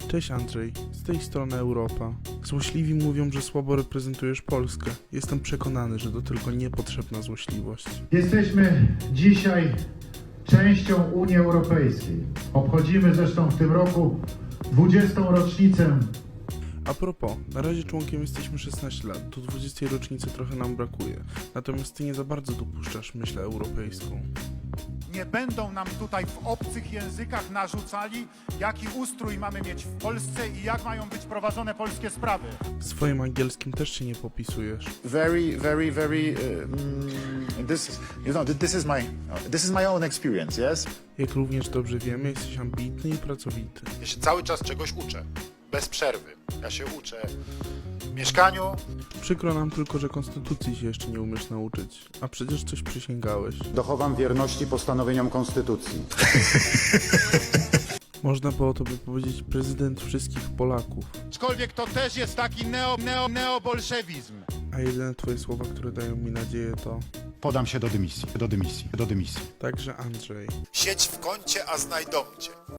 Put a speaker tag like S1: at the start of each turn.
S1: Cześć Andrzej, z tej strony Europa. Złośliwi mówią, że słabo reprezentujesz Polskę. Jestem przekonany, że to tylko niepotrzebna złośliwość.
S2: Jesteśmy dzisiaj częścią Unii Europejskiej. Obchodzimy zresztą w tym roku 20. rocznicę.
S1: A propos, na razie członkiem jesteśmy 16 lat, do 20 rocznicy trochę nam brakuje. Natomiast ty nie za bardzo dopuszczasz myśl europejską.
S3: Nie będą nam tutaj w obcych językach narzucali, jaki ustrój mamy mieć w Polsce i jak mają być prowadzone polskie sprawy.
S1: W swoim angielskim też się nie popisujesz.
S4: This is my own experience, yes?
S1: Jak również dobrze wiemy, jesteś ambitny i pracowity.
S3: Ja się cały czas czegoś uczę, bez przerwy. Ja się uczę w mieszkaniu.
S1: Przykro nam tylko, że konstytucji się jeszcze nie umiesz nauczyć. A przecież coś przysięgałeś.
S4: Dochowam wierności postanowieniom Konstytucji.
S1: Można było tobie powiedzieć prezydent wszystkich Polaków.
S3: Aczkolwiek to też jest taki neobolszewizm.
S1: A jedyne twoje słowa, które dają mi nadzieję to...
S4: Podam się do dymisji.
S1: Także Andrzej.
S3: Siedź w kącie, a znajdą cię.